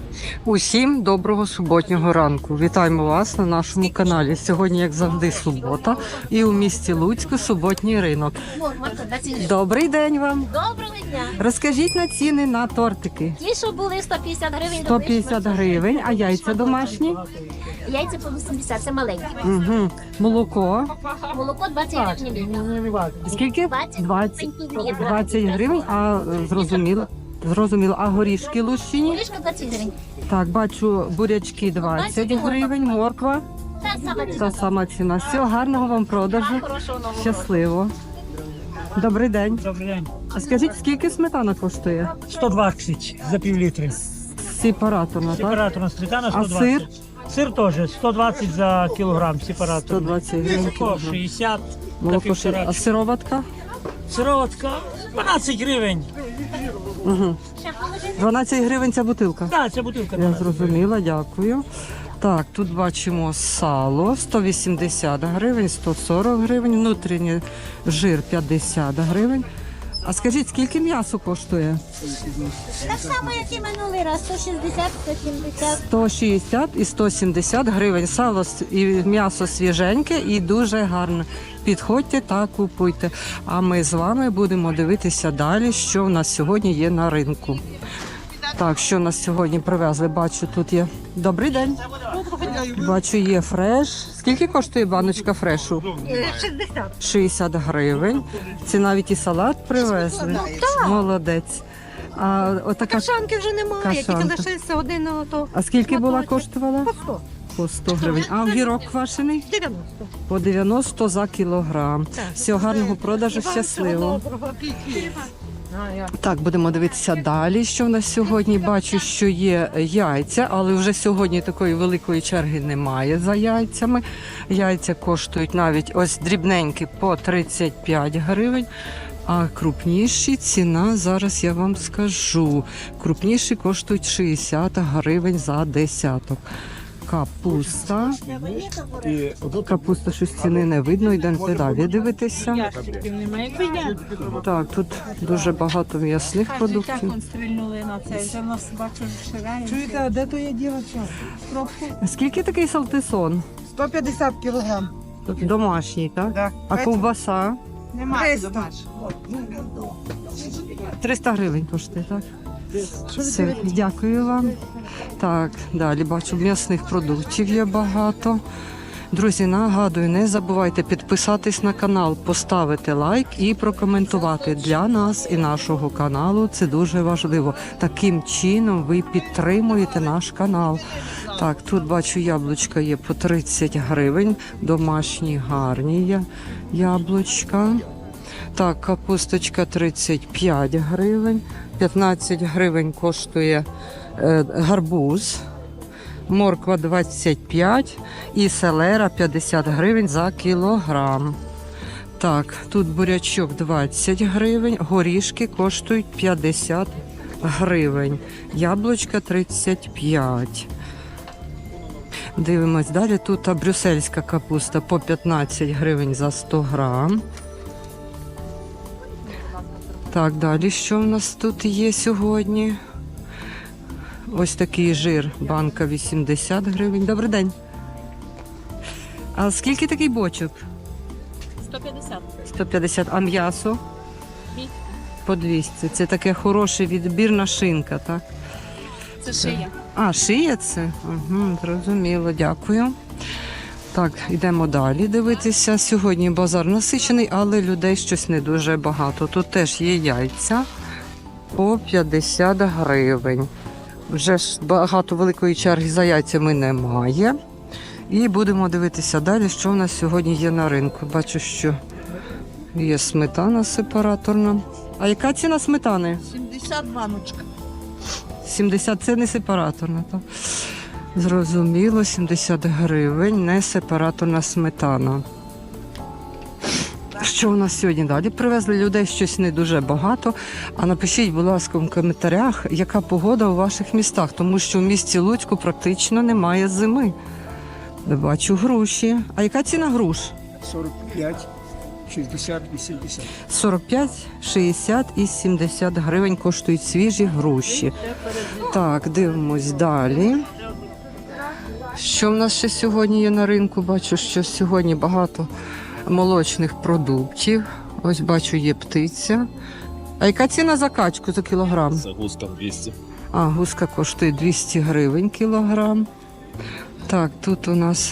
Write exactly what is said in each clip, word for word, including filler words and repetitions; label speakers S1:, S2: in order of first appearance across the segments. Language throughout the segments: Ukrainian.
S1: Усім доброго суботнього ранку. Вітаємо вас на нашому каналі. Сьогодні, як завжди, субота і у місті Луцьку суботній ринок. Добрий день вам.
S2: Доброго дня.
S1: Розкажіть на ціни на тортики.
S2: Ті, що були сто п'ятдесят гривень.
S1: сто п'ятдесят гривень, а яйця домашні?
S2: Яйця по вісімдесят, це маленькі.
S1: Угу. Молоко.
S2: Молоко двадцять гривень.
S1: Скільки?
S2: двадцять.
S1: двадцять. двадцять гривень, а е, зрозуміло. Зрозуміло. А горішки лущині?
S2: Горішка двадцять гривень.
S1: Так, бачу, бурячки двадцять гривень, морква.
S2: Та сама
S1: Та
S2: ціна.
S1: сама ціна. Всього гарного вам продажу.
S2: Хорошого нового.
S1: Щасливо. Добрий день.
S3: Добрий день.
S1: А скажіть, скільки сметана коштує?
S3: сто двадцять за пів літри.
S1: Сепараторна, так?
S3: Сепараторна сметана
S1: А
S3: сто двадцять. Сир теж сто двадцять за кілограм
S1: сто
S3: сепараторний.
S1: двадцять гривень.
S3: Молоко
S1: кілограм.
S3: шістдесят за
S1: Молоко ще.
S3: півтора.
S1: А сироватка?
S3: Сироватка дванадцять гривень.
S1: Угу. дванадцять гривень ця бутилка.
S3: Так, ця бутилка.
S1: Я зрозуміла, дякую. Так, тут бачимо сало сто вісімдесят гривень, сто сорок гривень, внутрішній жир п'ятдесят гривень. А скажіть, скільки м'ясо коштує?
S2: Так само, як і минулий раз. сто шістдесят, сто сімдесят.
S1: сто шістдесят і сто сімдесят гривень. Сало с- і м'ясо свіженьке і дуже гарне. Підходьте та купуйте. А ми з вами будемо дивитися далі, що в нас сьогодні є на ринку. Так, що нас сьогодні привезли? Бачу, тут є. Добрий день. Бачу, є фреш. Скільки коштує баночка фрешу?
S2: шістдесят.
S1: шістдесят гривень. Це навіть і салат привезли. Молодець. А отака.
S4: Кашанки вже немає,
S1: Кашанка.
S4: тільки лишився один ото
S1: А скільки була
S4: шматочок.
S1: коштувала?
S4: По сто.
S1: По сто гривень. А огірок квашений?
S4: дев'яносто.
S1: По дев'яносто за кілограм. Всього гарного продажу, щасливо. Так, будемо дивитися далі, що в нас сьогодні. Бачу, що є яйця, але вже сьогодні такої великої черги немає за яйцями. Яйця коштують навіть ось дрібненькі по тридцять п'ять гривень. А крупніші ціна, зараз я вам скажу. Крупніші коштують шістдесят гривень за десяток. Капуста. Капуста щось ціни не видно, йдемо далі дивитися. Так, тут дуже багато м'ясних продуктів.
S5: Стрільнули на це, вже в нас бачу ширає.
S4: Чуєте, а де то є дівча?
S1: Скільки такий салтисон?
S4: сто п'ятдесят кілограм.
S1: Домашній, так?
S4: Да.
S1: А ковбаса?
S4: триста.
S1: триста гривень коштує, так? Все, дякую вам. Так, далі бачу, м'ясних продуктів є багато. Друзі, нагадую, не забувайте підписатись на канал, поставити лайк і прокоментувати для нас і нашого каналу. Це дуже важливо. Таким чином ви підтримуєте наш канал. Так, тут бачу, яблучка є по тридцять гривень. Домашні гарні є яблучка. Так, капусточка тридцять п'ять гривень. п'ятнадцять гривень коштує е, гарбуз. Морква двадцять п'ять і селера п'ятдесят гривень за кілограм. Так, тут бурячок двадцять гривень, горішки коштують п'ятдесят гривень, яблучка тридцять п'ять. Дивимось далі, тут а, брюссельська капуста по п'ятнадцять гривень за сто грам. Так, далі що в нас тут є сьогодні? Ось такий жир, банка вісімдесят гривень. Добрий день. А скільки такий бочок?
S5: сто п'ятдесят.
S1: сто п'ятдесят. А м'ясо?
S5: двісті.
S1: По двісті. Це таке хороше відбірна шинка, так?
S5: Це шия.
S1: А, шия це? Угу, зрозуміло, дякую. Так, йдемо далі дивитися. Сьогодні базар насичений, але людей щось не дуже багато. Тут теж є яйця по п'ятдесят гривень. Вже ж багато великої черги за яйцями немає. І будемо дивитися далі, що в нас сьогодні є на ринку. Бачу, що є сметана сепараторна. А яка ціна сметани?
S4: сімдесят баночка.
S1: сімдесят це не сепараторна, так? Зрозуміло, сімдесят гривень, не сепараторна сметана. Що у нас сьогодні далі? Привезли людей щось не дуже багато. А напишіть, будь ласка, в коментарях, яка погода у ваших містах, тому що в місті Луцьку практично немає зими. Бачу груші. А яка ціна груш?
S3: сорок п'ять.
S6: шістдесят вісімдесят.
S1: сорок п'ять, шістдесят і сімдесят гривень коштують свіжі груші. Так, дивимось далі. Що в нас ще сьогодні є на ринку? Бачу, що сьогодні багато молочних продуктів. Ось бачу, є птиця. А яка ціна за качку за кілограм?
S7: Загрузка двісті.
S1: А, гуска коштує двісті гривень кілограм. Так, тут у нас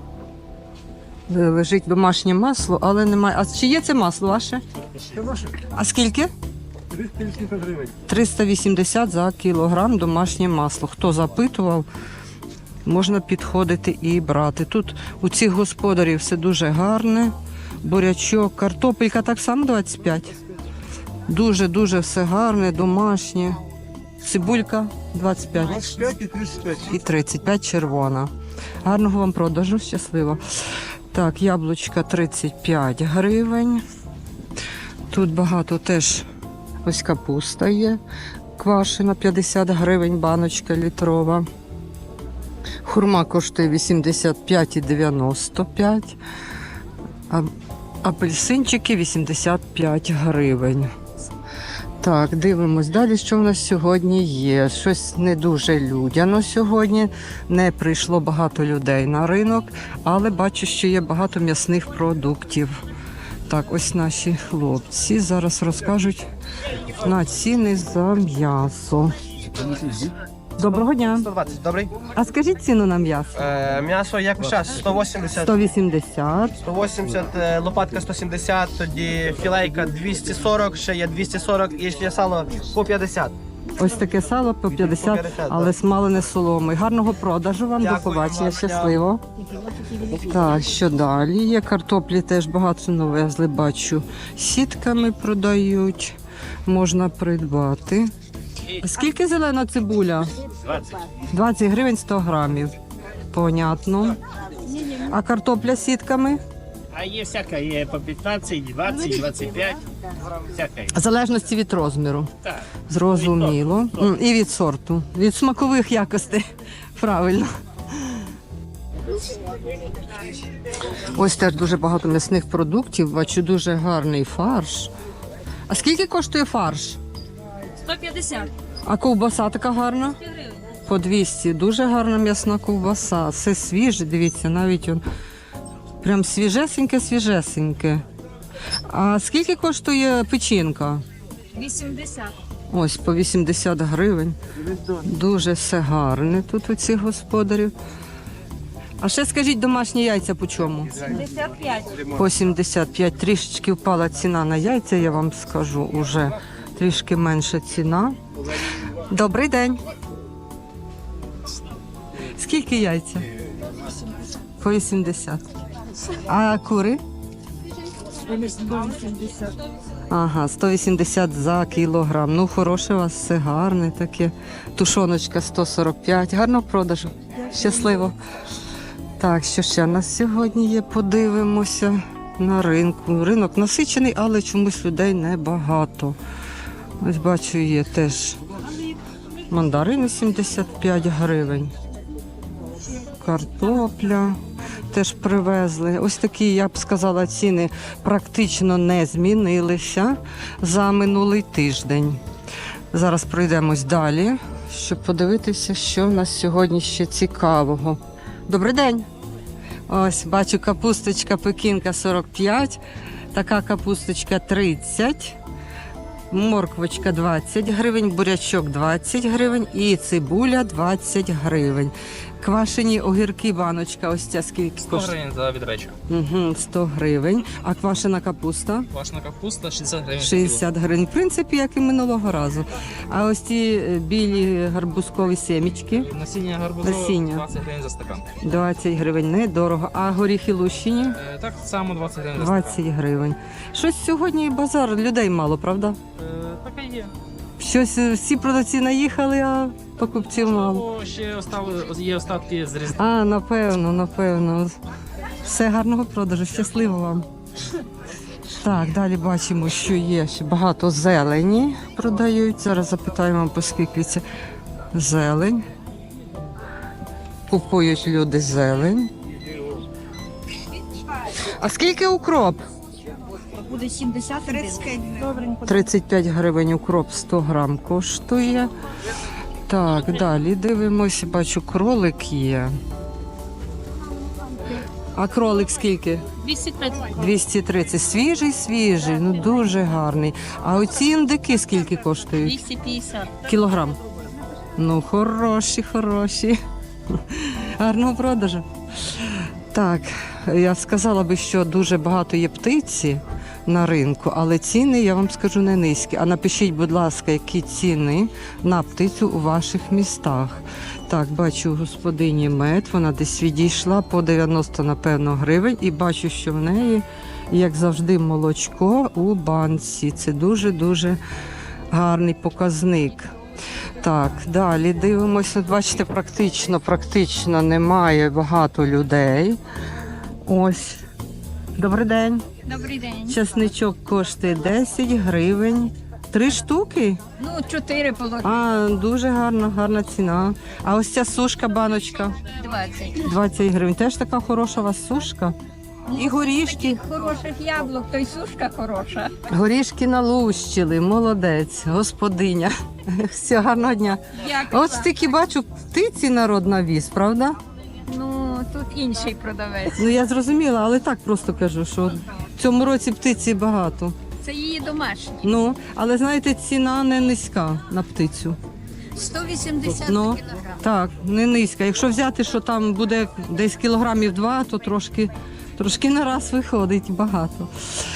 S1: лежить домашнє масло, але немає. А чи є це масло ваше? А скільки?
S6: триста вісімдесят гривень.
S1: триста вісімдесят за кілограм домашнє масло. Хто запитував, можна підходити і брати. Тут у цих господарів все дуже гарне. Бурячок, картопелька так само двадцять п'ять. Дуже-дуже все гарне, домашнє. Цибулька двадцять п'ять.
S6: двадцять п'ять і тридцять п'ять.
S1: І тридцять п'ять червона. Гарного вам продажу, щасливо. Так, яблучка тридцять п'ять гривень. Тут багато теж ось капуста є. Квашена п'ятдесят гривень, баночка літрова. Хурма коштує вісімдесят п'ять і дев'яносто п'ять. А апельсинчики вісімдесят п'ять гривень. Так, дивимось далі, що в нас сьогодні є. Щось не дуже людяно сьогодні. Не прийшло багато людей на ринок, але бачу, що є багато м'ясних продуктів. Так, ось наші хлопці зараз розкажуть на ціни за м'ясо. Доброго дня.
S8: сто двадцять, добрий.
S1: А скажіть ціну на м'ясо?
S8: Е, м'ясо як час, сто вісімдесят.
S1: сто вісімдесят.
S8: сто вісімдесят, е, лопатка сто сімдесят, тоді філейка двісті сорок, ще є двісті сорок і ще є сало по п'ятдесят.
S1: Ось таке сало по п'ятдесят,
S8: п'ятдесят,
S1: але смалене соломи. Гарного продажу вам,
S8: Дякую
S1: до побачення,
S8: вам,
S1: щасливо. Так, що далі? Є картоплі теж багато навезли, бачу. Сітками продають, можна придбати. Скільки зелена цибуля?
S7: двадцять.
S1: двадцять гривень сто грамів. Понятно. А картопля сітками?
S7: А є всяка, є по п'ятнадцять, двадцять, двадцять п'ять. Всяка є.
S1: В залежності від розміру.
S7: Так.
S1: Зрозуміло. М, І від сорту. Від смакових якостей. Правильно. Ось теж дуже багато м'ясних продуктів. Бачу, дуже гарний фарш. А скільки коштує фарш?
S5: сто п'ятдесят.
S1: А ковбаса така гарна? По двісті. Дуже гарна м'ясна ковбаса. Все свіже, дивіться, навіть он прям свіжесеньке, свіжесеньке. А скільки коштує печінка?
S5: вісімдесят.
S1: Ось по вісімдесят гривень. Дуже все гарне тут у цих господарів. А ще скажіть, домашні яйця по чому?
S5: сімдесят п'ять.
S1: По сімдесят п'ять. Трішечки впала ціна на яйця, я вам скажу, уже трішки менша ціна. Добрий день. Скільки яйця? По вісімдесят. А кури? Ага, сто вісімдесят за кілограм. Ну, хороше у вас, все гарне таке. Тушоночка сто сорок п'ять. Гарного продажу. Щасливо. Так, що ще у нас сьогодні є? Подивимося на ринку. Ринок насичений, але чомусь людей небагато. Ось бачу, є теж мандарини сімдесят п'ять гривень. Картопля теж привезли. Ось такі, я б сказала, ціни практично не змінилися за минулий тиждень. Зараз пройдемось далі, щоб подивитися, що в нас сьогодні ще цікавого. Добрий день! Ось, бачу, капусточка пекінка сорок п'ять, така капусточка тридцять, морквочка двадцять гривень, бурячок двадцять гривень і цибуля двадцять гривень. Квашені огірки, баночка, ось ця скільки
S9: сто
S1: коштує?
S9: гривень за відречу.
S1: Угу, сто гривень. А квашена капуста?
S9: Квашена капуста шістдесят гривень.
S1: шістдесят гривень. В принципі, як і минулого разу. А ось ці е, білі гарбузкові семічки?
S9: Насіння гарбузу
S1: Насіння.
S9: двадцять гривень за стакан.
S1: двадцять гривень, недорого. А горіхи лущині?
S9: Е, так само двадцять гривень за стакан.
S1: двадцять гривень. Щось сьогодні базар, людей мало, правда?
S9: Е, така є.
S1: Щось е, всі продавці наїхали, а покупців мало.
S9: Або ще остали, є остатки з різдва.
S1: А, напевно, напевно. Все, гарного продажу, щасливо вам. Так, далі бачимо, що є ще багато зелені продають. Зараз запитаємо, по скільки це зелень. Купують люди зелень. А скільки укроп?
S5: буде сімдесят тридцять п'ять. Добренько.
S1: тридцять п'ять гривень укроп сто грам коштує. Так, далі дивимося, бачу, кролик є. А кролик скільки?
S5: двісті тридцять.
S1: двісті тридцять. Свіжий, свіжий, ну дуже гарний. А оці індики скільки коштують?
S5: двісті п'ятдесят.
S1: Кілограм. Ну, хороші, хороші. Гарного продажу. Так, я сказала би, що дуже багато є птиці на ринку, але ціни, я вам скажу, не низькі. А напишіть, будь ласка, які ціни на птицю у ваших містах. Так, бачу у господині мед, вона десь відійшла по дев'яносто, напевно, гривень. І бачу, що в неї, як завжди, молочко у банці. Це дуже-дуже гарний показник. Так, далі дивимося. Бачите, практично, практично немає багато людей. Ось. Добрий день.
S5: Добрий день.
S1: Часничок коштує десять гривень. Три штуки?
S5: Ну, чотири половини.
S1: А, дуже гарна, гарна ціна. А ось ця сушка, баночка,
S5: двадцять.
S1: двадцять гривень. Теж така хороша у вас сушка. І горішки.
S5: Хороших яблук, то й сушка хороша.
S1: Горішки налущили, молодець, господиня. Все, гарного дня.
S5: Дякую.
S1: От стільки бачу, птиці народ навіз, правда?
S5: Ну, тут інший продавець.
S1: Ну я зрозуміла, але так просто кажу, що в цьому році птиці багато.
S5: Це її домашні.
S1: Ну, але знаєте, ціна не низька на птицю.
S5: сто вісімдесят
S1: Ну,
S5: кілограм.
S1: так, не низька. Якщо взяти, що там буде десь кілограмів два, то трошки, трошки на раз виходить багато.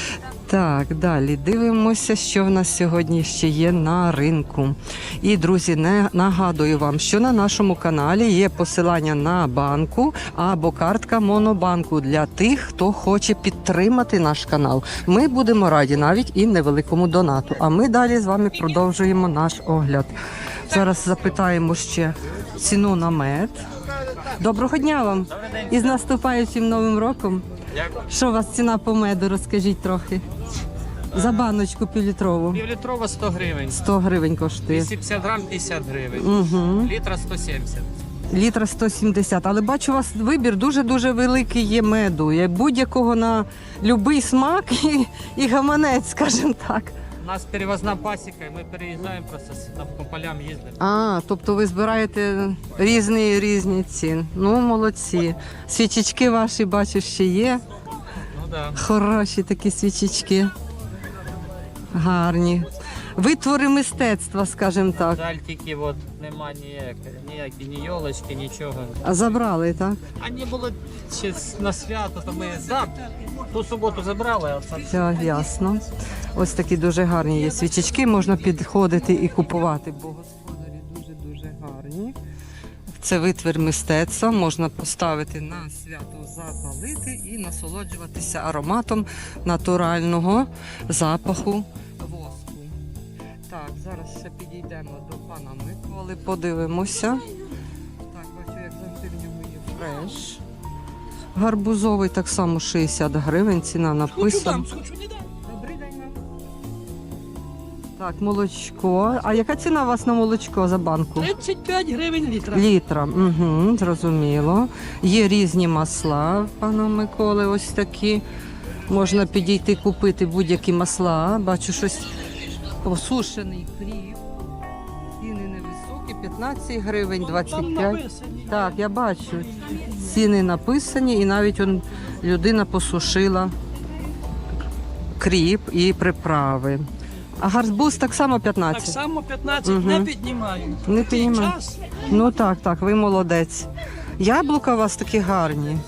S1: Так, далі дивимося, що в нас сьогодні ще є на ринку. І, друзі, не нагадую вам, що на нашому каналі є посилання на банку або картка Монобанку для тих, хто хоче підтримати наш канал. Ми будемо раді навіть і невеликому донату. А ми далі з вами продовжуємо наш огляд. Зараз запитаємо ще ціну на мед. Доброго дня вам! І з наступаючим Новим роком! Що у вас ціна по меду, розкажіть трохи. За баночку півлітрову.
S9: Півлітрова сто гривень.
S1: сто гривень коштує.
S9: двісті п'ятдесят грам п'ятдесят гривень.
S1: Угу.
S9: Літра сто сімдесят.
S1: Літра сто сімдесят. Але бачу, у вас вибір дуже-дуже великий є меду. Є будь-якого на будь-який смак і, і гаманець, скажімо так.
S9: У нас перевозна пасіка, і ми переїжджаємо просто с- на- по полям їздимо.
S1: А, тобто ви збираєте різні різні ціни. Ну, молодці. Свічечки ваші, бачу, ще є.
S9: Ну да.
S1: Хороші такі свічечки. Гарні. Витвори мистецтва, скажімо так.
S9: Жаль, тільки от нема ніякої, ніякі, ні йолочки, нічого.
S1: А забрали, так?
S9: А не було ще с- на свято, то ми за ту суботу забрали, а це
S1: Все, ясно. Ось такі дуже гарні є свічечки, можна підходити і купувати, бо господарі дуже-дуже гарні. Це витвір мистецтва, можна поставити на свято, запалити і насолоджуватися ароматом натурального запаху воску. Так, зараз ще підійдемо до пана Миколи, подивимося. Так, бачу, як завжди в нього є фреш. Гарбузовий так само шістдесят гривень, ціна написана. Добрий день вам. Так, молочко. А яка ціна у вас на молочко за банку?
S4: тридцять п'ять гривень літра.
S1: Літра, угу, зрозуміло. Є різні масла в пана Миколи, ось такі. Можна підійти купити будь-які масла. Бачу щось посушений хліб. Ціни невисокі, п'ятнадцять гривень, двадцять п'ять. Так, я бачу. Ціни написані і навіть он, людина посушила кріп і приправи. А гарбуз так само
S4: Так
S1: п'ятнадцять?
S4: само п'ятнадцять
S1: Мгм.
S4: не піднімаю.
S1: Не
S4: Такий
S1: піднімаю.
S4: час.
S1: Ну так, так, ви молодець. Яблука у вас такі гарні.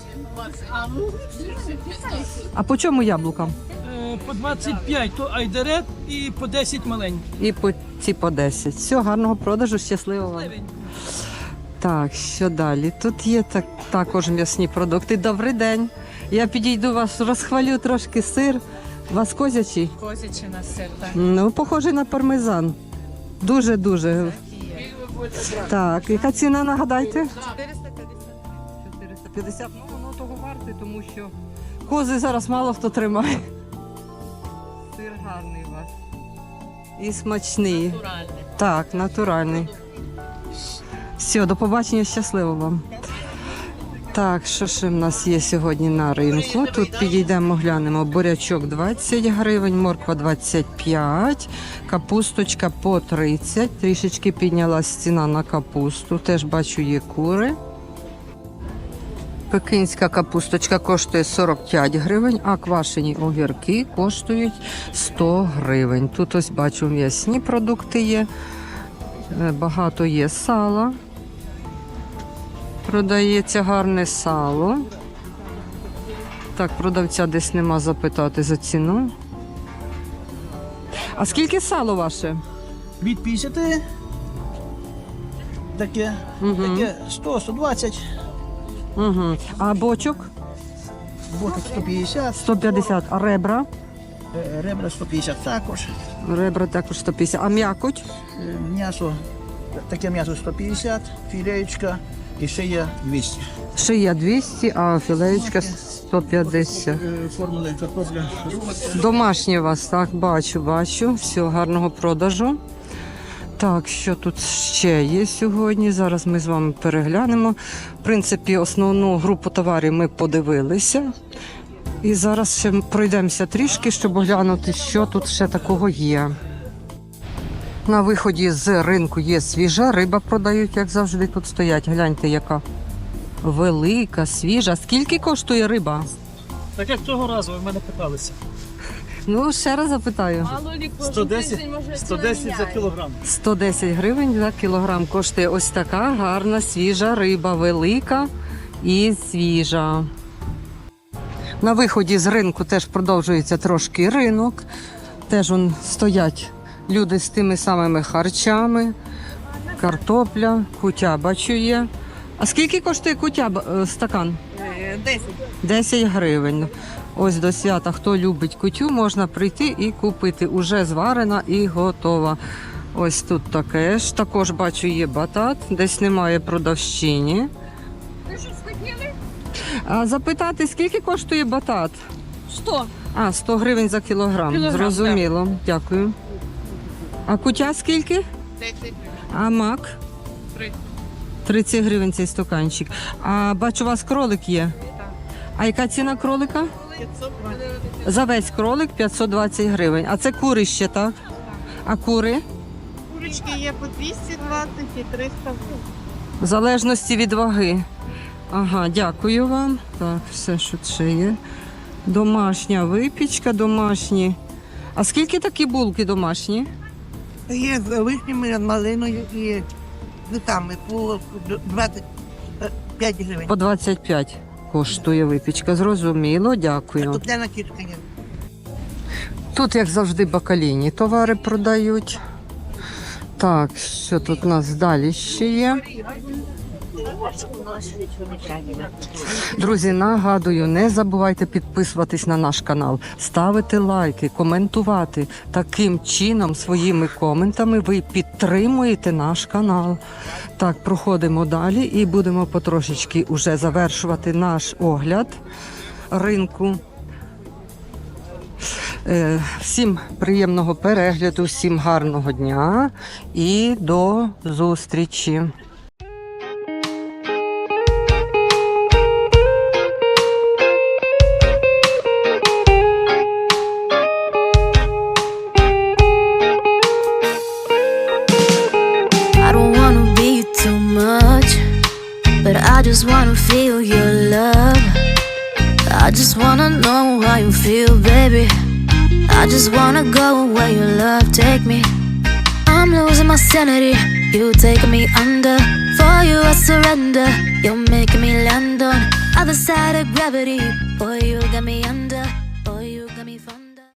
S1: А по чому яблука?
S4: Е, По двадцять п'ять то айдерет і по десять маленьких.
S1: І по ці по десять. Все, гарного продажу, щасливо вам. Так, що далі? Тут є так, також м'ясні продукти. Добрий день. Я підійду вас, розхвалю трошки сир. У вас козячий?
S5: Козячий на сир, так.
S1: Ну, похожий на пармезан. Дуже-дуже. Так, яка ціна, нагадайте? чотириста п'ятдесят. Ну, воно того варте, тому що кози зараз мало хто тримає. Сир гарний у вас. І смачний. Натуральний. Так, натуральний. Все, до побачення, щасливо вам. Так, що ще в нас є сьогодні на ринку? Тут підійдемо, глянемо. Бурячок двадцять гривень, морква двадцять п'ять, капусточка по тридцять. Трішечки піднялась ціна на капусту. Теж бачу, є кури. Пекинська капусточка коштує сорок п'ять гривень, а квашені огірки коштують сто гривень. Тут ось бачу м'ясні продукти є. Е, Багато є сала. Продається гарне сало. Так, продавця десь нема запитати за ціну. А скільки сало ваше?
S4: Від п'ятдесят, таке,
S1: Угу.
S4: таке сто, сто двадцять,
S1: Угу. А бочок?
S4: бочок сто п'ятдесят,
S1: сто п'ятдесят. А ребра?
S4: е, ребра сто п'ятдесят також,
S1: Ребра також сто п'ятдесят. А м'якоть?
S4: е, м'ясо, таке м'ясо сто п'ятдесят, філеєчка і ще є двісті.
S1: Шия двісті, а філеєчка сто п'ятдесят.
S4: Е, Формули картопля.
S1: Домашні у вас, так, бачу, бачу. Все, гарного продажу. Так, що тут ще є сьогодні? Зараз ми з вами переглянемо. В принципі, основну групу товарів ми подивилися. І зараз ще пройдемося трішки, щоб оглянути, що тут ще такого є. На виході з ринку є свіжа риба, продають, як завжди, тут стоять. Гляньте, яка велика, свіжа. Скільки коштує риба?
S3: Так як цього разу ви в мене питалися.
S1: Ну, ще раз запитаю.
S3: сто десять, сто десять за кілограм.
S1: сто десять гривень за кілограм коштує ось така гарна свіжа риба, велика і свіжа. На виході з ринку теж продовжується трошки ринок. Теж он стоять люди з тими самими харчами, картопля, кутя, бачу є. А скільки коштує кутя е, стакан?
S5: Десять.
S1: десять гривень. Ось до свята, хто любить кутю, можна прийти і купити. Уже зварена і готова. Ось тут таке ж. Також бачу, є батат, десь немає продавщині.
S5: Ви щось хотіли?
S1: А запитати, скільки коштує батат?
S5: Сто.
S1: А, сто гривень за кілограм.
S5: Кілограм,
S1: Зрозуміло. Дякую. А кутя скільки?
S5: Десять.
S1: А мак?
S5: Тридцять.
S1: тридцять гривень цей стаканчик. А бачу, у вас кролик є. А яка ціна кролика? За весь кролик п'ятсот двадцять гривень. А це кури ще, так? А кури?
S10: Курочки є по двісті двадцять і триста.
S1: В залежності від ваги. Ага, дякую вам. Так, все, що ще є. Домашня випічка, домашні. А скільки такі булки домашні?
S10: Є з вишнями, малиною і цвітами по двадцять п'ять гривень.
S1: По двадцять п'ять коштує випічка. Зрозуміло, дякую.
S10: Картопляна кішка є.
S1: Тут, як завжди, бакалійні товари продають. Так, що тут у нас далі ще є? Друзі, нагадую, не забувайте підписуватись на наш канал, ставити лайки, коментувати. Таким чином, своїми коментами ви підтримуєте наш канал. Так, проходимо далі і будемо потрошечки уже завершувати наш огляд ринку. Е, Всім приємного перегляду, всім гарного дня і до зустрічі.
S11: I don't wanna be too much, but I just wanna feel your love. I just wanna know how you feel, baby. I just wanna go where your love take me. I'm losing my sanity, you taking me under. For you I surrender, you're making me land on other side of gravity. Boy, you got me under.